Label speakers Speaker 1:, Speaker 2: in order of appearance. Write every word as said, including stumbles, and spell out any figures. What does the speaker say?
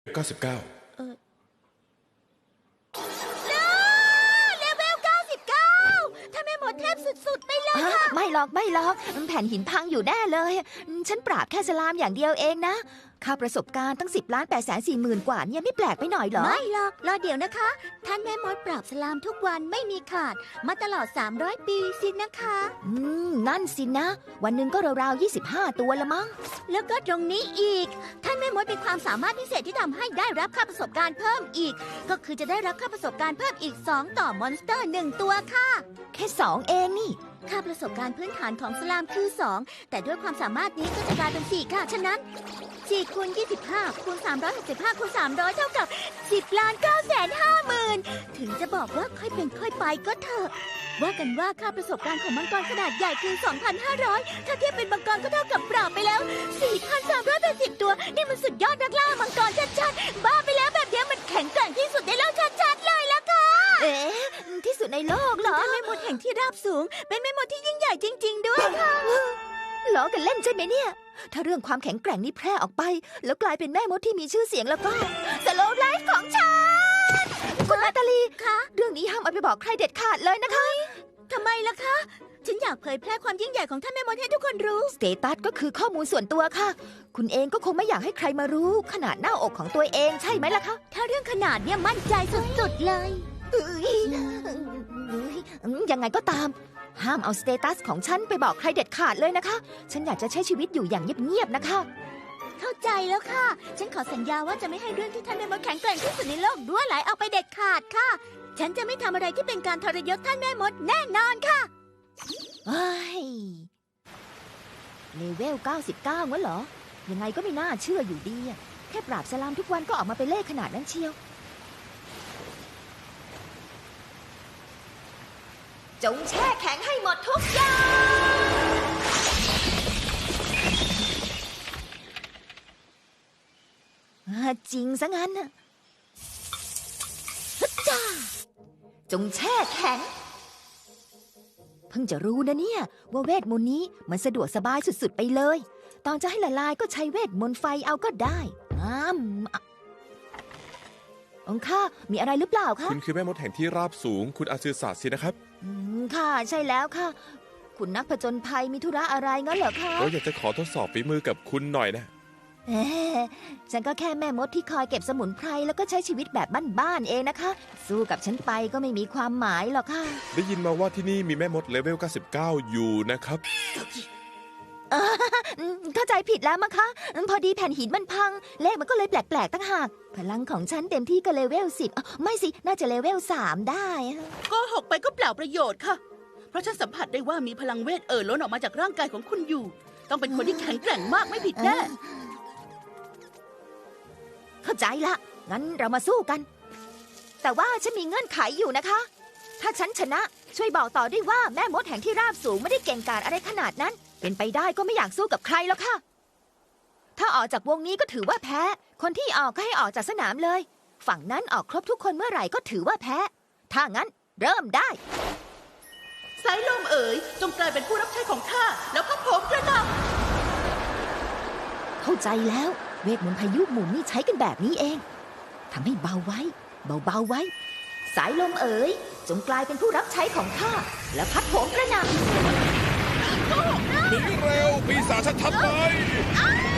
Speaker 1: เก้าสิบเก้า
Speaker 2: เออเลเวลเก้าสิบเก้าถ้าแม่หมดเทพสุดๆไปเลยค่ะ
Speaker 3: ไม่หรอกไม่หรอกแผ่นหินพังอยู่แน่เลย ฉันปราบแค่สลามอย่างเดียวเองนะค่าประสบการณ์ตั้งสิบล้านแปดแสนสี่หมื่นกว่าเนี่ยไม่แปลกไปหน่อยเหรอ
Speaker 2: ไม่หรอกรอเดี๋ยวนะคะท่านแม่มดปราบสลามทุกวันไม่มีขาดมาตลอดสามร้อยปีสินะคะ
Speaker 3: อืมนั่นสินะ วันหนึ่งก็ราวๆยี่สิบห้าตัวละมั้ง
Speaker 2: แล้วก็ตรงนี้อีกท่านแม่มดมีความสามารถพิเศษที่ทำให้ได้รับค่าประสบการณ์เพิ่มอีกก็คือจะได้รับค่าประสบการณ์เพิ่มอีกสองต่อมอนสเตอร์หนึ่งตัวค่ะ
Speaker 3: แค่สองเองนี่
Speaker 2: ค่าประสบการณ์พื้นฐานของสลามคือสองแต่ด้วยความสามารถนี้ก็จะกลายเป็นสี่ค่ะฉะนั้นสี่คูณยี่สิบห้าคูณสามร้อยหกสิบห้าคูณสามร้อยเท่ากับสิบล้านเก้าแสนห้าหมื่นถึงจะบอกว่าค่อยเป็นค่อยไปก็เถอะว่ากันว่าค่าประสบการณ์ของมังกรขนาดใหญ่คือ สองพันห้าร้อย ถ้าเทียบเป็นมังกรก็เท่ากับปราบไปแล้ว สี่พันสามร้อยแปดสิบ ตัวนี่มันสุดยอดนักล่ามังกรชัดๆบ้าไปแล้วแบบนี้มันแข็งแกร่งที่สุดในโลกชัดๆเลยล่ะค่ะ
Speaker 3: เอ๊ะที่สุดในโลกเหรอ
Speaker 2: เป็นแม่มดแห่งที่ราบสูงเป็นแม่มดที่ยิ่งใหญ่จริงๆด้วยค่ะ
Speaker 3: ล้อกันเล่นใช่ไหมเนี่ยถ้าเรื่องความแข็งแกร่งนี้แพร่ออกไปแล้วกลายเป็นแม่มดที่มีชื่อเสียงแล้วก็สโลว์ไลฟ์ของฉันคุณนาตาลี
Speaker 2: คะ
Speaker 3: เรื่องนี้ห้ามเอาไปบอกใครเด็ดขาดเลยนะคะ
Speaker 2: ทำไมล่ะคะฉันอยากเผยแพร่ความยิ่งใหญ่ของท่านแม่มดให้ทุกคนรู้
Speaker 3: สเตตัสก็คือข้อมูลส่วนตัวค่ะคุณเองก็คงไม่อยากให้ใครมารู้ขนาดหน้าอกของตัวเองใช่ไหมล่ะคะ
Speaker 2: ถ้าเรื่องขนาดเนี่ยมั่นใจสุดๆเลย
Speaker 3: ยังไงก็ตามห้ามเอาสเตตัสของฉันไปบอกใครเด็ดขาดเลยนะคะฉันอยากจะใช้ชีวิตอยู่อย่างเงียบๆนะคะ
Speaker 2: เข้าใจแล้วค่ะฉันขอสัญญาว่าจะไม่ให้เรื่องที่ท่านแม่มดแข็งแกร่งที่สุดในโลกด้วไหลออกไปเด็ดขาดค่ะฉันจะไม่ทำอะไรที่เป็นการทรยศท่านแม่มดแน่นอนค่ะ
Speaker 3: เฮ้ยเลเวลเก้าสิบเก้างั้นเหรอยังไงก็ไม่น่าเชื่ออยู่ดีแค่ปราบสลามทุกวันก็ออกมาเป็นเลขขนาดนั้นเชียวจงแช่แข็งให้หมดทุกอย่างจริงซะงั้นน่ะจ้าจงแช่แข็งเพิ่งจะรู้นะเนี่ยว่าเวทมนต์นี้มันสะดวกสบายสุดๆไปเลยตอนจะให้ละลายก็ใช้เวทมนต์ไฟเอาก็ได้อ้ามองค่ามีอะไรหรือเปล่าคะ
Speaker 1: คุณคือแม่มดแห่งที่ราบสูงคุณอาซือศาสตร์สินะครับ
Speaker 3: อืมค่ะใช่แล้วค่ะคุณนักผจญภัยมีธุระอะไรงั้นเหรอคะ
Speaker 1: เราอยากจะขอทดสอบฝีมือกับคุณหน่อยนะ
Speaker 3: เอ๊ะฉันก็แค่แม่มดที่คอยเก็บสมุนไพรแล้วก็ใช้ชีวิตแบบบ้านๆเองนะคะสู้กับฉันไปก็ไม่มีความหมายหรอกค่ะ
Speaker 1: ได้ยินมาว่าที่นี่มีแม่มดเลเวลเก้าสิบเก้าอยู่นะครับ
Speaker 3: เข้าใจผิดแล้วมั้งคะพอดีแผ่นหินมันพังเลขมันก็เลยแปลกๆตั้งหากพลังของฉันเต็มที่ก็เลเวลสิบไม่สิน่าจะเลเวลสามได้
Speaker 4: ก็หกไปก็เปล่าประโยชน์ค่ะเพราะฉันสัมผัสได้ว่ามีพลังเวทเอ่อล้นออกมาจากร่างกายของคุณอยู่ต้องเป็นคนที่แข็งแกร่งมากไม่ผิดแน่
Speaker 3: เข้าใจละงั้นเรามาสู้กันแต่ว่าฉันมีเงื่อนไขอยู่นะคะถ้าฉันชนะช่วยบอกต่อด้วยว่าแม่มดแห่งที่ราบสูงไม่ได้เก่งกาจอะไรขนาดนั้นเป็นไปได้ก็ไม่อยากสู้กับใครแล้วค่ะถ้าออกจากวงนี้ก็ถือว่าแพ้คนที่ออกก็ให้ออกจากสนามเลยฝั่งนั้นออกครบทุกคนเมื่อไหร่ก็ถือว่าแพ้ถ้างั้นเริ่มได้
Speaker 4: สายลมเอ๋ยจงกลายเป็นผู้รับใช้ของข้าแล้วพัดโผมกระหน่
Speaker 3: ำเข้าใจแล้วเวทมนต์พายุหมุนนี่ใช้กันแบบนี้เองทำให้เบาไว้เบาๆไว้สายลมเอ๋ยจงกลายเป็นผู้รับใช้ของข้าแล้วพัดโผมกระหน่ำ
Speaker 1: หนีเร็วปีศาจชัดๆเลย